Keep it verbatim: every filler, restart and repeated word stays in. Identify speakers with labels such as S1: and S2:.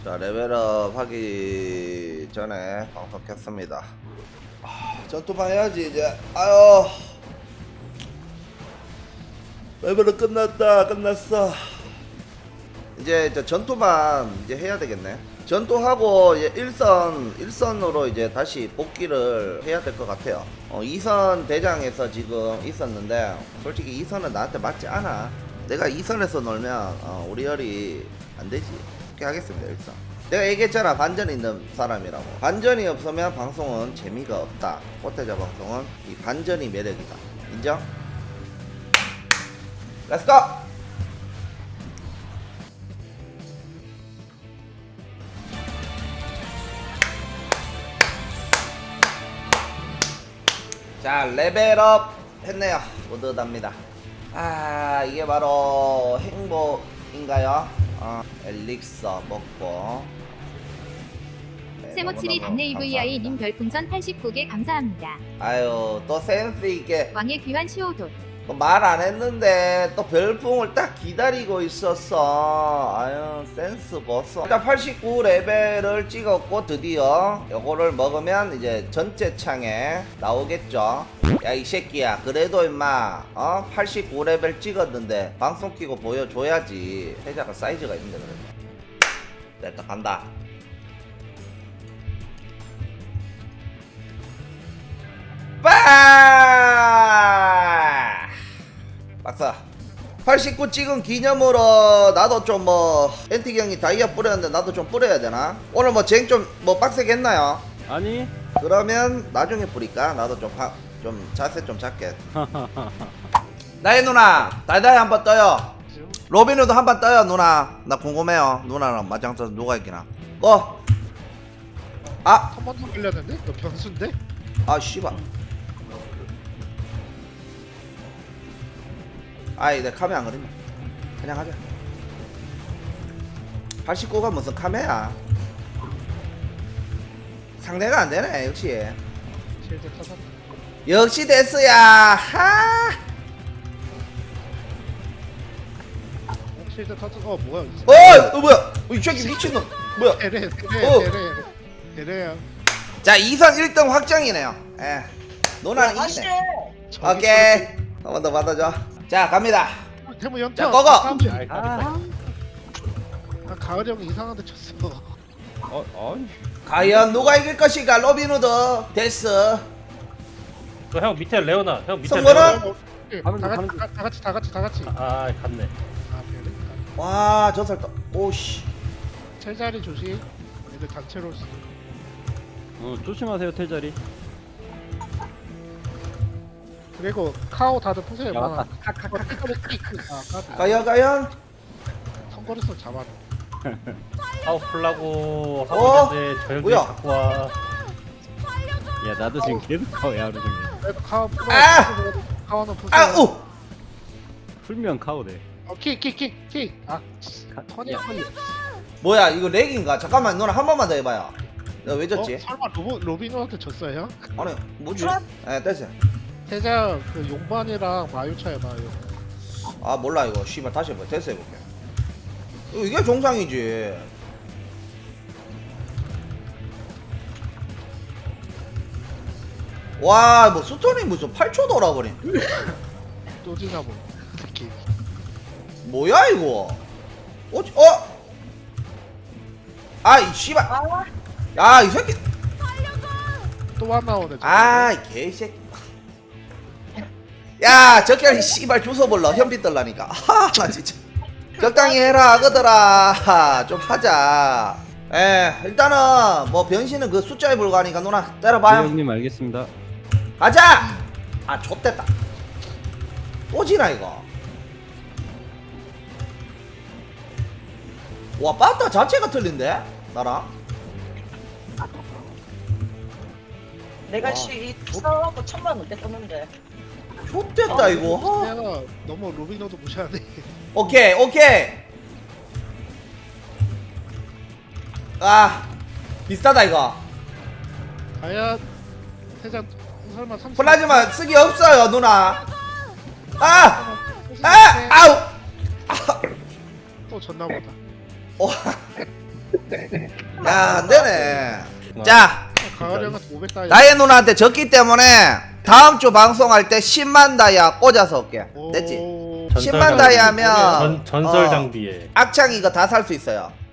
S1: 자, 레벨업 하기 전에 방송 켰습니다. 아, 전투만 해야지 이제. 아유, 레벨업 끝났다. 끝났어. 이제 저 전투만 이제 해야 되겠네. 전투하고 이제 일선 일선으로 이제 다시 복귀를 해야 될 것 같아요. 어, 이선 대장에서 지금 있었는데 솔직히 이선은 나한테 맞지 않아. 내가 이선에서 놀면 어, 우리 열이 안 되지. 그렇게 하겠습니다. 일선. 내가 얘기했잖아, 반전이 있는 사람이라고. 반전이 없으면 방송은 재미가 없다. 꽃대자 방송은 이 반전이 매력이다. 인정? 렛츠고! 자, 레벨업 했네요. 뿌듯합니다. 아, 이게 바로 행복인가요? 어, 엘릭서 먹고. 네,
S2: 세모칠이
S1: 너무너무
S2: 단내 이브이아이님 별풍선 팔십구 개 감사합니다.
S1: 아유, 또 센스 있게
S2: 왕의 귀환 시오돈.
S1: 말 안 했는데 또 별풍을 딱 기다리고 있었어. 아유, 센스 보소. 일단 팔십구 레벨을 찍었고 드디어 요거를 먹으면 이제 전체 창에 나오겠죠. 야, 이 새끼야, 그래도 임마 어 팔십구 레벨 찍었는데 방송 키고 보여줘야지. 회자가 사이즈가 있는데. 그래도 됐다, 간다. 빠! 박사, 팔십구 찍은 기념으로 나도 좀 뭐 엔틱 형이 다이아 뿌렸는데 나도 좀 뿌려야 되나? 오늘 뭐 쟁 좀 뭐 빡세게 했나요?
S3: 아니.
S1: 그러면 나중에 뿌릴까? 나도 좀, 하, 좀 자세 좀 잡게. 나의 누나 다이다이 한번 떠요. 로빈우도 한번 떠요. 누나 나 궁금해요. 누나랑 맞짱 떠서 누가 이기나. 고! 아!
S4: 한 번도 걸렸는데? 너 변수인데?
S1: 아 씨발. 아이, 내 카메 안 그린다. 그냥 하자. 팔십구가 무슨 카메야? 상대가 안 되네, 역시.
S4: 실드 터졌다.
S1: 역시 데스야. 하.
S4: 어, 실드 터졌. 어 뭐야?
S1: 어, 어 뭐야? 어, 이 새끼 미친놈. 뭐야?
S4: 대래 대래
S1: 어.
S4: 대래 대래야.
S1: 자, 이선 일 등 확정이네요. 예. 누나는 이기네. 오케이. 한 번 더 받아줘. 자, 갑니다.
S4: 태무 연타.
S1: 자, 꺼거.
S4: 아,
S3: 아,
S4: 아, 가을 형이 이상한데 쳤어.
S3: 어, 어.
S1: 과연 누가 이길 것인가? 로빈후드, 데스.
S5: 형 밑에 레오나. 형 밑에
S1: 성건아?
S5: 레오나.
S4: 어, 예,
S3: 가면
S4: 다
S3: 돼,
S4: 같이
S3: 가면
S4: 다, 다 같이 다 같이 다 같이.
S5: 아 갔네.
S4: 아 그래?
S1: 와, 저 살다. 오씨.
S4: 첼자리 조심. 애들 단체로 쓰.
S3: 어, 조심하세요, 태자리.
S4: 그리고 카오 다들 푸세요.
S3: 야,
S4: 많아.
S3: 맞다.
S4: 아 까비.
S1: 과연, 과연?
S4: 선거리서 잡아.
S5: 아우 풀라고
S1: 어?
S5: 하고 있는데 저 형들이
S1: 뭐야?
S5: 자꾸 와.
S3: 야, 나도 지금 계속 카오야, 하루 종일.
S4: 그래도 카오 풀어.
S1: 아!
S4: 카오는 푸세요.
S1: 아, 우!
S3: 풀면 카오래.
S4: 어, 킥킥킥 킥. 아, 턴이
S3: 야.
S4: 턴이.
S1: 뭐야, 이거 렉인가? 잠깐만, 누나 한 번만 더 해봐요. 내가 왜
S4: 어?
S1: 졌지?
S4: 설마 로빈 로빈한테 졌어요?
S1: 아니, 뭐지? 예, 됐어.
S4: 태자 그 용반이랑 마유차에 마유.
S1: 아, 몰라, 이거. 씨발, 다시 해봐. 됐어, 해볼게. 이거 이게 정상이지. 와, 뭐, 스톤이 무슨 팔 초 돌아버린.
S4: 또 지나 보네. 특히.
S1: 뭐야, 이거? 어? 어? 아, 이 씨발. 야, 이 새끼.
S4: 또 하나 오네. 저거.
S1: 아, 이 개새끼. 야, 저끼리 씨발 주워볼러. 현빈 떨라니까. 하, 나 진짜. 적당히 해라, 아거들아. 좀 하자. 에, 일단은, 뭐, 변신은 그 숫자에 불과하니까 누나,
S3: 네,
S1: 때려봐요.
S3: 형님, 알겠습니다.
S1: 가자! 아, 좆됐다. 또 지나, 이거. 와, 빠따 자체가 틀린데? 나랑?
S6: 내가
S1: 와.
S6: 시 투사하고 천만 원대 떴는데.
S1: 좆됐다, 이거. 하.
S4: 내가 너무 로빈호도 무시하네.
S1: 오케이, 오케이. 아, 비슷하다, 이거.
S4: 과연 태자 설마 삼.
S1: 플라즈마 쓰기 없어요, 누나. 아! 아! 아우!
S4: 또 졌나 보다.
S1: 어, 야 안되네. 자
S4: 강아지한테 오백 다이.
S1: 나의 누나한테 졌기 때문에 다음 주 방송할 때 십만 다이아 꽂아서 올게. 됐지?
S5: 전설
S1: 십만
S5: 장비.
S1: 다이 하면
S5: 전, 전설
S1: 어,
S5: 장비에
S1: 악창 이거 다 살 수 있어요.